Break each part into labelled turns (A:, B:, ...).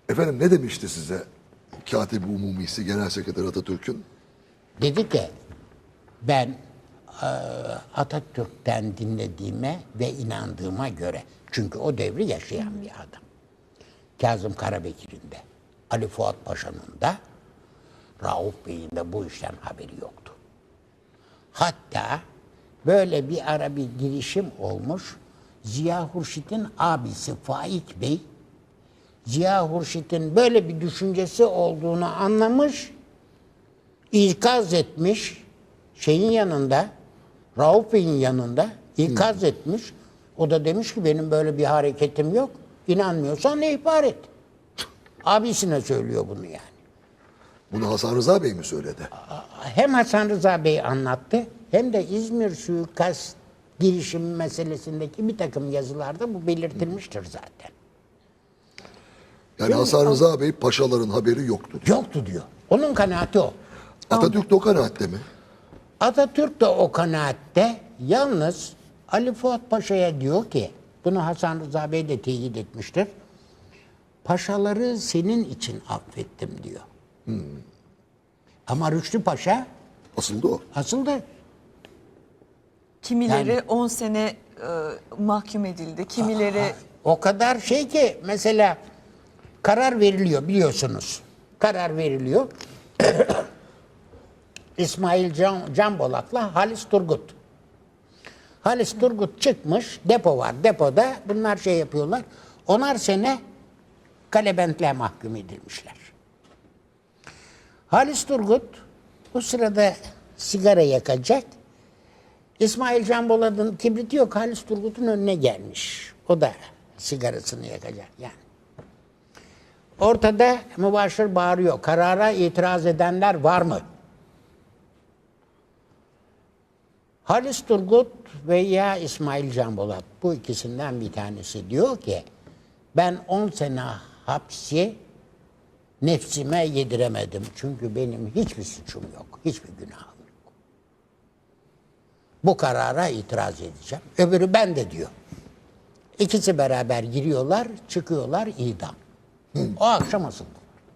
A: Efendim ne demişti size Kâtib-i Umumisi Genel Sekreter Atatürk'ün?
B: Dedi ki ben Atatürk'ten dinlediğime ve inandığıma göre, çünkü o devri yaşayan bir adam. Kazım Karabekir'in de, Ali Fuat Paşa'nın da, Rauf Bey'in de bu işten haberi yoktu. Hatta böyle bir ara bir girişim olmuş. Ziya Hurşit'in abisi Faik Bey, Ziya Hurşit'in böyle bir düşüncesi olduğunu anlamış, ikaz etmiş, şeyin yanında, Rauf Bey'in yanında ikaz etmiş. O da demiş ki benim böyle bir hareketim yok. İnanmıyorsan ne ihbar et. Abisine söylüyor bunu yani.
A: Bunu Hasan Rıza Bey mi söyledi?
B: Hem Hasan Rıza Bey anlattı hem de İzmir suikast girişimi meselesindeki bir takım yazılarda bu belirtilmiştir zaten.
A: Yani Hasan Rıza Bey paşaların haberi yoktu diyor.
B: Yoktu diyor. Onun kanaati o.
A: Atatürk de o kanaatte mi?
B: Atatürk de o kanaatte, yalnız Ali Fuat Paşa'ya diyor ki, bunu Hasan Rıza Bey de teyit etmiştir. Paşaları senin için affettim diyor. Ama Rüştü Paşa
A: Asıldı o.
B: asıldı.
C: Kimileri
B: Yani-
C: 10 sene mahkum edildi. Kimileri
B: O kadar şey ki mesela karar veriliyor biliyorsunuz. Karar veriliyor. İsmail Can Bolat'la Halis Turgut. Halis Turgut çıkmış, depo var. Depoda bunlar şey yapıyorlar. 10'ar sene kalebentliğe mahkum edilmişler. Halis Turgut bu sırada sigara yakacak. İsmail Can Bolat'ın kibriti yok. Halis Turgut'un önüne gelmiş. O da sigarasını yakacak yani. Ortada mübaşir bağırıyor. Karara itiraz edenler var mı? Halis Turgut veya İsmail Can Bolat, bu ikisinden bir tanesi diyor ki ben 10 sene hapsi nefsime yediremedim. Çünkü benim hiçbir suçum yok. Hiçbir günahım yok. Bu karara itiraz edeceğim. Öbürü ben de diyor. İkisi beraber giriyorlar, çıkıyorlar idam. O akşam asıldı.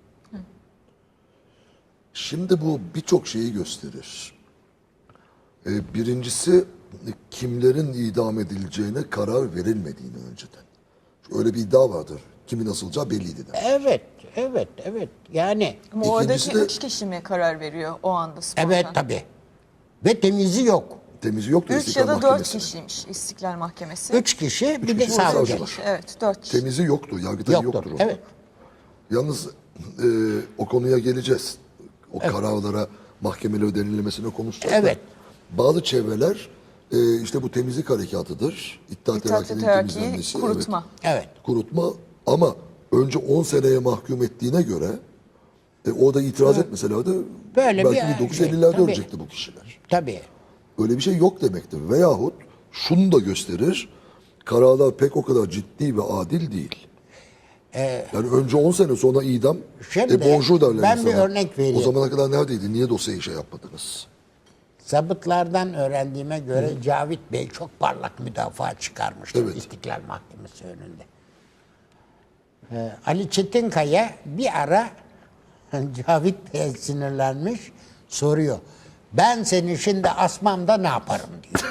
A: Şimdi bu birçok şeyi gösterir. Birincisi kimlerin idam edileceğine karar verilmediğini önceden. Öyle bir iddia vardır. Kimin asılacağı belliydi.
B: Evet. Yani
C: ama
A: İkincisi
C: oradaki
A: de-
C: 3 kişi mi karar veriyor o anda spontan?
B: evet tabii. Ve temizi yok.
A: Temizi yoktu
C: 3
A: İstiklal
C: ya da 4
A: Mahkemesi'nin.
C: kişiymiş İstiklal Mahkemesi.
B: 3 kişi bir de
A: kişi,
B: savcı.
A: savcı.
C: 4 kişi, evet 4 kişi.
A: Temizi yoktu. Yargıtay
B: Yoktur.
A: yoktur. orada.
B: Evet.
A: Yalnız o konuya geleceğiz. O kararlara mahkemeleri denilmesine konuşacağız. da.
B: Evet.
A: Bazı çevreler işte bu temizlik harekatıdır. İttihat Terakki'nin
C: Terakki'yi
A: temizlenmesi.
C: kurutma.
B: Evet.
A: Kurutma ama önce 10 seneye mahkum ettiğine göre o da itiraz etmeselerdi
B: Böyle
A: belki
B: bir
A: 1950'lerde
B: tabii.
A: ölecekti bu kişiler.
B: Tabii.
A: Öyle bir şey yok demektir. Veyahut şunu da gösterir. Kararlar pek o kadar ciddi ve adil değil. Yani önce 10 sene sonra idam,
B: Şimdi
A: bonjour derler
B: ben bir
A: insana.
B: örnek vereyim.
A: O zamana kadar neredeydi? Niye dosyayı şey yapmadınız?
B: Zabıtlardan öğrendiğime göre Cavit Bey çok parlak müdafaa çıkarmıştır
A: Evet.
B: İstiklal Mahkemesi önünde. Ali Çetinkaya bir ara Cavit Bey'e sinirlenmiş, soruyor. Ben seni şimdi asmam da ne yaparım diyor.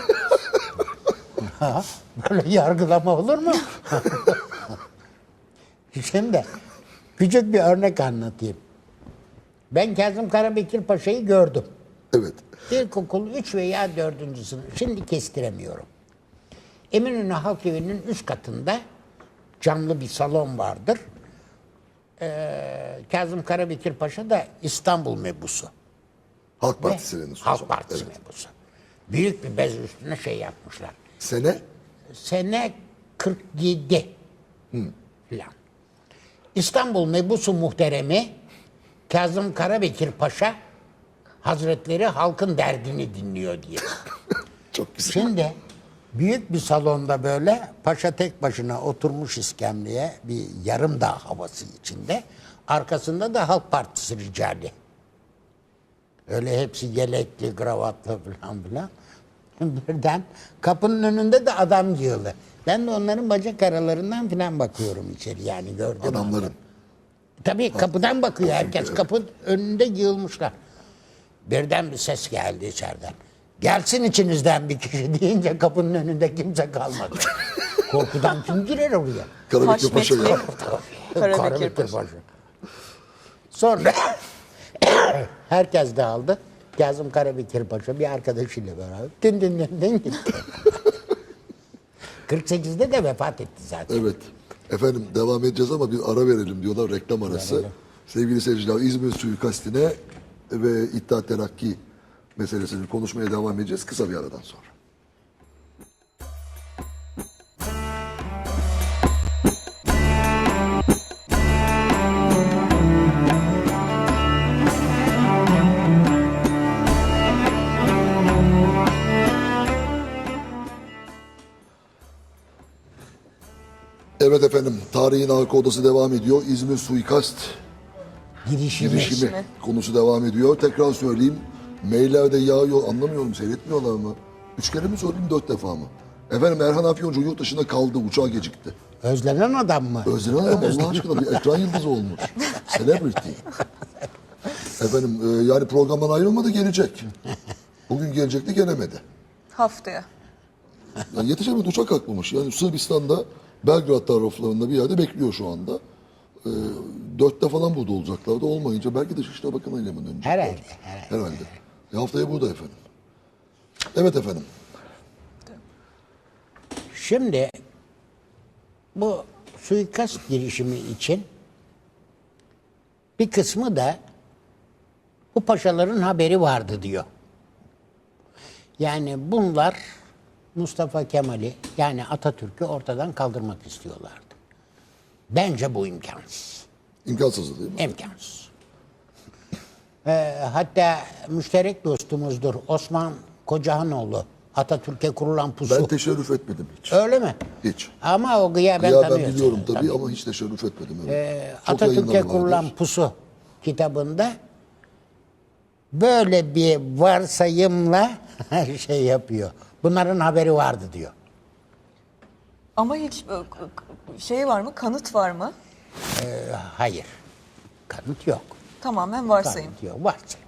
B: Böyle yargılama olur mu? Şimdi küçük bir örnek anlatayım. Ben Kazım Karabekir Paşa'yı gördüm.
A: Evet.
B: İlkokul 3 veya 4. sınıf. Şimdi kestiremiyorum. Eminönü Halk Evi'nin üst katında camlı bir salon vardır. Kazım Karabekir Paşa da İstanbul mebusu.
A: Halk Partisi'nin o
B: Halk
A: zaman.
B: Partisi
A: Evet.
B: mebusu. Büyük bir bez üstüne şey yapmışlar.
A: Sene
B: Sene 47 filan. İstanbul mebusu muhteremi Kazım Karabekir Paşa Hazretleri halkın derdini dinliyor diye.
A: çok güzel.
B: Şimdi büyük bir salonda böyle paşa tek başına oturmuş iskemleye bir yarım dağ havası içinde. Arkasında da Halk Partisi ricali. Öyle hepsi yelekli, kravatlı falan filan. Birden kapının önünde de adam yığılı. Ben de onların bacak aralarından filan bakıyorum içeri yani gördüm.
A: Adamların.
B: Tabii kapıdan bakıyor herkes. Kapının önünde yığılmışlar. Birden bir ses geldi içeriden. Gelsin içinizden bir kişi deyince kapının önünde kimse kalmadı. Korkudan kim girer oraya?
A: Karabekir Paşa ya.
C: Karabekir
B: Karabekir
C: Paşa.
B: Paşa. Sonra herkes dağıldı. Kazım Karabekir Paşa bir arkadaşıyla beraber din gitti. 48'de de vefat etti zaten.
A: Evet. Efendim devam edeceğiz ama bir ara verelim diyorlar, reklam arası. Sevgili seyirciler, İzmir suikastine ve İttihat Terakki meselesini konuşmaya devam edeceğiz kısa bir aradan sonra. Evet efendim, tarihin arka odası devam ediyor. İzmir suikast girişimi konusu devam ediyor. Tekrar söyleyeyim, maillerde yağıyor, anlamıyorum, seyretmiyorlar mı? 3 kere mi söyleyeyim, 4 defa mı? Efendim Erhan Afyoncu yurt dışında kaldı, uçağı gecikti.
B: Özlenen adam mı?
A: Özlenen adam Allah aşkına bir ekran yıldızı olmuş. Celebrity. Efendim yani programdan ayrılmadı, gelecek. Bugün gelecekti, gelemedi.
C: Haftaya.
A: Yani yetişemedi, uçak kalkmamış. Yani Sırbistan'da Belgrad taraflarında bir yerde bekliyor şu anda. 4'te falan burada olacaklardı. Olmayınca belki Dışişleri Bakanı'yla mı dönecekler?
B: Herhalde.
A: Haftaya burada efendim. Evet efendim.
B: Şimdi bu suikast girişimi için bir kısmı da bu paşaların haberi vardı diyor. Yani bunlar Mustafa Kemal'i yani Atatürk'ü ortadan kaldırmak istiyorlardı. Bence bu imkansız.
A: İmkansız değil mi?
B: İmkansız. Hatta müşterek dostumuzdur Osman Kocahanoğlu. Atatürk'e kurulan pusu.
A: Ben teşerrüf etmedim hiç.
B: Öyle mi?
A: Hiç.
B: Ama o gıyaben
A: Ya ben
B: tanıyorsun.
A: biliyorum tabii ama hiç teşerrüf etmedim. Evet. Çok
B: Atatürk'e
A: yayınları
B: kurulan
A: vardır.
B: pusu kitabında böyle bir varsayımla şey yapıyor. Bunların haberi vardı diyor.
C: Ama hiç şey var mı? Kanıt var mı?
B: Hayır. Kanıt yok.
C: Tamamen varsayım.
B: Kanıt yok. Varsayım.